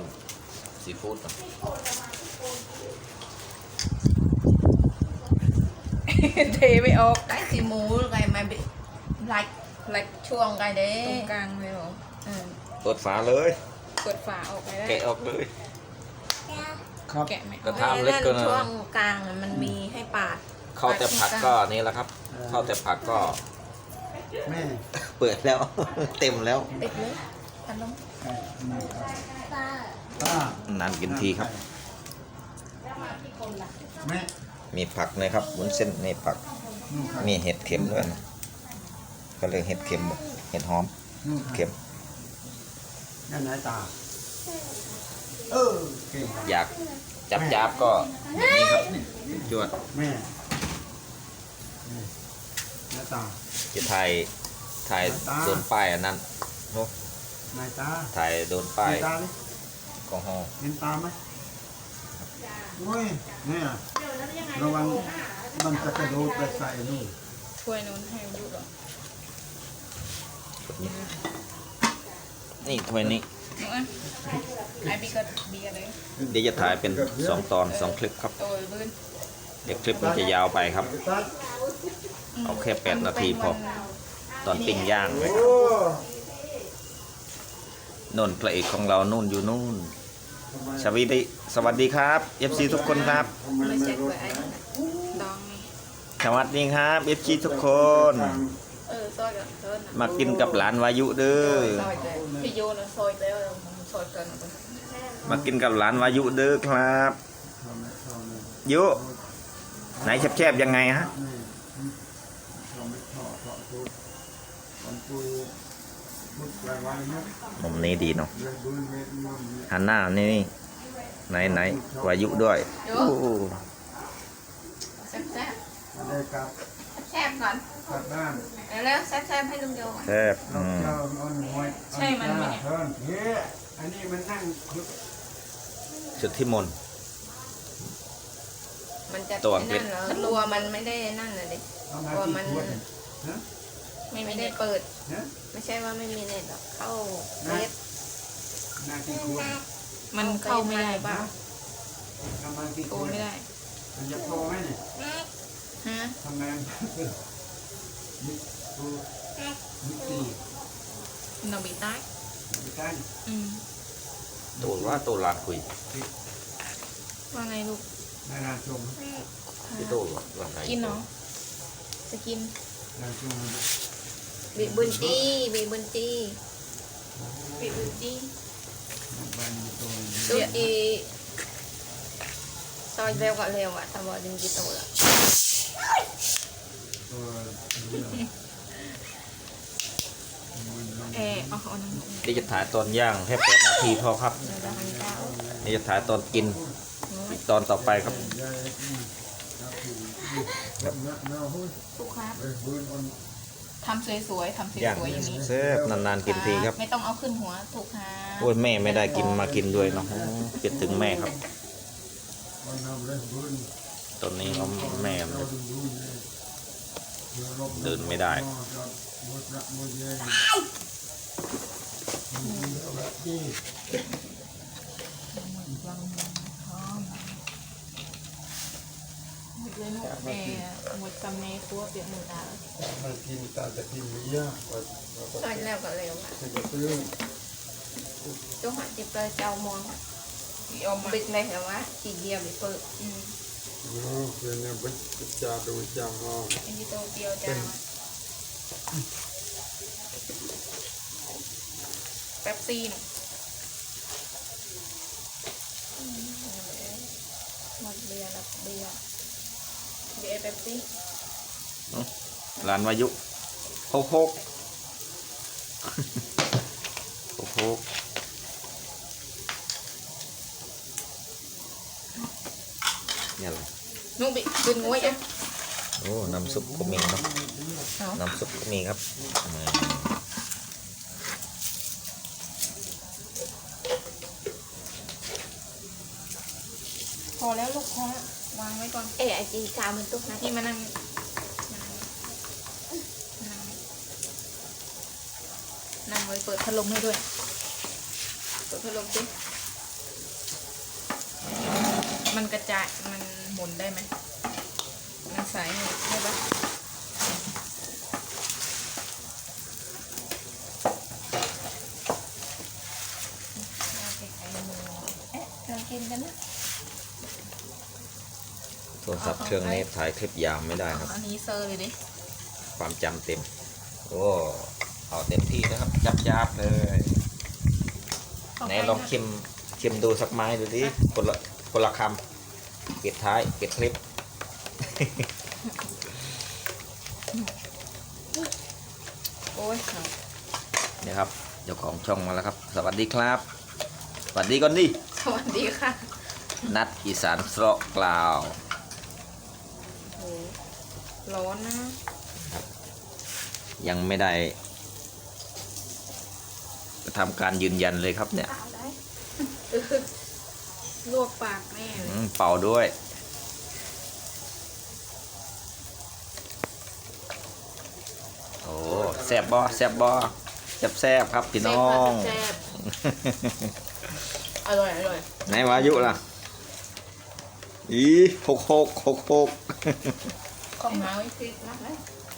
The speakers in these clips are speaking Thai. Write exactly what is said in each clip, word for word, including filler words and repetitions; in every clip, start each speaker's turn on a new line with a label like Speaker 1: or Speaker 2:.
Speaker 1: ซีฟู้ด
Speaker 2: เทไม่ออก
Speaker 3: cái thì mù cái mà bị lạch lạch chuông cái
Speaker 2: ตรง
Speaker 3: đấy
Speaker 2: กลางเลยเหรอ
Speaker 3: ừ.
Speaker 1: เปิดฝาเลย
Speaker 2: เปิดฝาออกไปได้
Speaker 1: แกะออกเลย
Speaker 4: ครับ
Speaker 2: แกะไม่อ
Speaker 1: กระ
Speaker 2: อก
Speaker 1: ทะ
Speaker 3: Cái
Speaker 1: lết
Speaker 3: lên
Speaker 1: cơ nè.
Speaker 3: chuông càng mình mì hay pạt
Speaker 1: เข้าแต่ผักก็นี่แหละครับ เข้าแต่ผักก็
Speaker 4: แม่
Speaker 1: เปิดแล้ว เต็มแล้ว
Speaker 3: ít nữa ăn không
Speaker 4: ไก่นี่ครับป้าน
Speaker 1: านกินทีครับ
Speaker 4: แม่
Speaker 1: มีผักนะครับวุ้นเส้นในผัก
Speaker 4: นู่นครับ
Speaker 1: มีเห็ดเข็มด้วยนะก็เลยเห็ดเข็มเห็ดหอม
Speaker 4: นู่นครับ
Speaker 1: เข็ม
Speaker 4: นั่นไหนตาเออเก่งครับ
Speaker 1: อยากจับจับๆก็นี่ครับจวด
Speaker 4: แม่นี่นายตา
Speaker 1: จะถ่ายถ่ายโดนป้ายอันนั้นโอ้
Speaker 4: นายตา
Speaker 1: ถ่ายโดนป้าย
Speaker 4: เห็นตาเลย
Speaker 1: ของห้อง
Speaker 4: เห็นตาไหมโอ้ยเนี่ยระวังมันจะกระโดดไปใส่นู่น
Speaker 2: ถ้วยนู้นให้ยุดเหรอ
Speaker 1: นี่ถ้วยนี้
Speaker 2: น้องอ่ะไอบีก็เบียร์เลย
Speaker 1: เดี๋ยวจะถ่ายเป็นสองตอนสองคลิปครับ
Speaker 2: โอ้ยบื้น
Speaker 1: เดี๋ยวคลิปมันจะยาวไปครับ
Speaker 4: ตัด
Speaker 1: เอาแค่แปดนาทีพอ ตอนปิ้งย่างเลย
Speaker 4: โอ้
Speaker 1: นนพระเอกของเรานู่นอยู่นู่นสวัสดีสวัสดีครับ เอฟ ซี ทุกคนครับ
Speaker 2: ไม่เช็คไว้ไอ้ดองนี่
Speaker 1: สวัสดีครับ เอฟ ซี ทุกคน
Speaker 2: เออซอยกับเธอนะ
Speaker 1: มากินกับหลานวายุเด้อ
Speaker 2: ซอยเลยพี่โยนซอยแล้วมันซอยกัน
Speaker 1: มากินกับหลานวายุเด้อครับ ยุไหนแคบๆยังไงฮะ
Speaker 4: นี่เราไม่ชอบเพราะพูดมันพูดพูดไวๆนะ
Speaker 1: มุมนี้ดีเนาะ
Speaker 4: เรื่องบุญเวทมนต์
Speaker 1: หันหน้านี่นี่ไหนไหนวายุด้วยโอ้
Speaker 3: xếp xếp
Speaker 4: อะไรครับ
Speaker 3: xếp còn
Speaker 4: กลับบ้าน
Speaker 3: để lên xếp xếpให้ลุงโย
Speaker 1: แคบ
Speaker 4: เรา
Speaker 1: อืม
Speaker 4: เจ้าอ่อนหวย
Speaker 2: ใช่มันไหมเนี่ย
Speaker 4: เพิ่นเฮ้ยอันนี้มันนั่งคลุก
Speaker 1: สุดที่มนต์
Speaker 3: มันจะ
Speaker 1: ตัวอังกฤษ
Speaker 3: นั่นเหรอตัวมันไม่ได้นั่นเลยดิ
Speaker 4: เอามา
Speaker 3: ตัว
Speaker 4: กี่
Speaker 3: มัน
Speaker 4: ขวดฮะ
Speaker 2: ไม่มี
Speaker 3: ไม่
Speaker 2: เน็
Speaker 3: ได้
Speaker 2: ต
Speaker 3: เปิด
Speaker 4: ฮะ
Speaker 3: ไม่ใช่ว่าไม่มีเน็ตหรอกเข้าเฟซ
Speaker 4: นากี่ขวด
Speaker 2: มันเข้าไม่ได้บ้า
Speaker 4: ทำมากี่
Speaker 2: โก
Speaker 4: ขวด
Speaker 2: ไม่ได้
Speaker 4: มันจะพอไหมเนี่ย
Speaker 2: ฮะ
Speaker 4: ทำไมมิกูมิตี
Speaker 2: หนอบีใต้
Speaker 4: ไม่ใช่
Speaker 2: อืม
Speaker 1: ตัวว่าตัวลานคุย
Speaker 2: ว่าไงลูก
Speaker 4: นายรานชม
Speaker 1: ที่ตัวลานไหน
Speaker 2: กินเนาะจะกิน
Speaker 4: รานชม
Speaker 3: bị bươn chi bị bươn chi
Speaker 2: ปิดดูจี
Speaker 4: บันตัว
Speaker 3: đôi chi soi veo gọi lèo ạ tao bỏ đừng gì tội ạ
Speaker 4: ตัว
Speaker 2: เออเอาเอาน้ำหนู
Speaker 1: เดี๋ยวจะถ่ายตอนย่างแค่แปดนาทีพอครับ
Speaker 3: rồi ra hành cao
Speaker 1: เดี๋ยวจะถ่ายตอนกินอีกตอนต่อไปครับ
Speaker 2: ทุกครับ
Speaker 4: เออบุญอ่อน
Speaker 2: ทำสวยๆทำส
Speaker 1: ย่าง
Speaker 2: วยๆอย่างนี้
Speaker 1: แซ่บนานๆกินทีครับ
Speaker 2: ไม่ต้องเอาขึ้นหัวถูกค่ะ
Speaker 1: โอ้ยแม่ไม่ได้กินมากินด้วยเนาะคิดถึงแม่ครับ
Speaker 4: อ่อนเอาเลยบุญ
Speaker 1: ตอนนี้เขาแม่
Speaker 4: เราดูบุญเลย
Speaker 1: เดินไม่ได้
Speaker 4: มุดระมุดเย็นแบบนี้
Speaker 2: เลยหนูแม่หมดจำในครัวเปียกหมูตา
Speaker 4: มากินตาจะกินเยอะกว่า
Speaker 3: soi leo gọi lèo ạ
Speaker 4: จะซื้อ
Speaker 3: chú hỏi chụp lời chào mòn
Speaker 2: ยอมมา
Speaker 3: bịch này hả má chỉ dìa bị phự
Speaker 2: อืม
Speaker 4: โอ้เพื่อนเนี่ยไปจ่าดูจ่าห้อง
Speaker 2: อันนี้โตเกียวจ้าเป๊ปซี่น่ะ
Speaker 3: หมดเบียร์แล้วเบียร์
Speaker 2: เบียร์เป๊ปซี่
Speaker 1: หลานวายุโคกโคกโคกโคกเนี่ยอะไร
Speaker 2: หนูบิดึงงวยอ่ะ
Speaker 1: โอ้น้ำซุปก็มีเนาะ
Speaker 2: เอา
Speaker 1: น้ำซุปก็มีครับอืม
Speaker 2: พอแล้วลูกพอแล้ววางไว้ก่อน
Speaker 3: ê ai chị chào mình tốt này
Speaker 2: พี่มานั่งนั่งนั่งไว้เปิดพัดลมให้ด้วยเปิดพัดลมสิ
Speaker 3: มันกระจายมันหมุนได้ไหมมันใสได้ปะ
Speaker 2: เอ๊ะเรากินกันนะ
Speaker 1: โทรศัพท์เครื่องนี้ถ่ายคลิปยาวไม่ได้ครับ
Speaker 3: อันนี้เซอร์เลยดิ
Speaker 1: ความจำเต็มโอ้เอาเต็มที่นะครับจับจับๆเลยไหนลองชิมชิมดูสักไม้ดูดิคนละคนละคำปิดท้ายปิดคลิป
Speaker 3: โอ้ยเอา
Speaker 1: เนี่ยครับเจ้าของช่องมาแล้วครับ สวัสดีครับสวัสดีก่อนดิ
Speaker 3: สวัสดีค่ะ
Speaker 1: นัดอีสานสระกล่าว
Speaker 3: โอ้ร้อนนะ
Speaker 1: ยังไม่ได้ทำการยืนยันเลยครับเนี่ย
Speaker 3: เอาได้ลวกปากแม่เล
Speaker 1: อื
Speaker 3: ย
Speaker 1: มเป่าด้วย โอ้แซบบอแซบบอแซบแซบครับพี่น้อง
Speaker 3: แซ่บอร่อยอร่อย
Speaker 1: ไหนวายุล่ะ อีหกหกหกหก
Speaker 3: ของเมาอีกทีนะเลย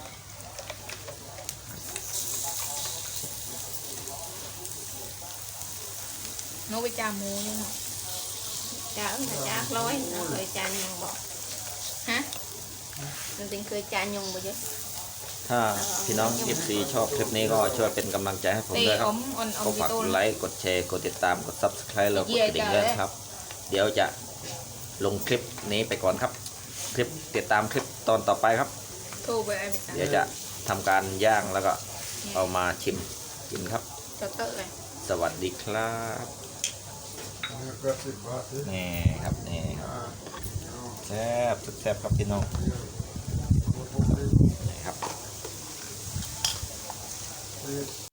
Speaker 3: โน้ไปจามูนี่ค่ะ
Speaker 2: Chả ứng là chả lối, nó cười chả nhung bỏ.
Speaker 3: ฮะ
Speaker 2: Mình tính cười chả nhung bỏ chứ.
Speaker 1: ถ้าพี่น้อง เอฟ ซี ชอบคลิปนี้ก็ช่วยเป็นกำลังใจให้ผม
Speaker 3: ตี
Speaker 1: ด้วยค
Speaker 3: อ
Speaker 1: รับ
Speaker 3: มออนอ
Speaker 1: ก็
Speaker 3: ม
Speaker 1: ฝาก
Speaker 3: โต้
Speaker 1: กดไลค์ กดแชร์ กดติดตาม กด ซับสไครบ์ แล้วกดกระดิ่งด้วยครับ เดี๋ยวจะลงคลิปนี้ไปก่อนครับ คลิปติดตามคลิปตอนต่อไปครับ
Speaker 3: โทรไปไอ้บิ๊ก
Speaker 1: เดี๋ยวจะทำการย่างแล้วก็เอามาชิมกินครับ
Speaker 3: จอเตอร์เลย
Speaker 1: สวัสดีครับ
Speaker 4: ก็สิบบาทสิ
Speaker 1: นี่ครับนี่ครับแซ่บแซ่บครับพี่น้องนี่ครับ
Speaker 4: สิบ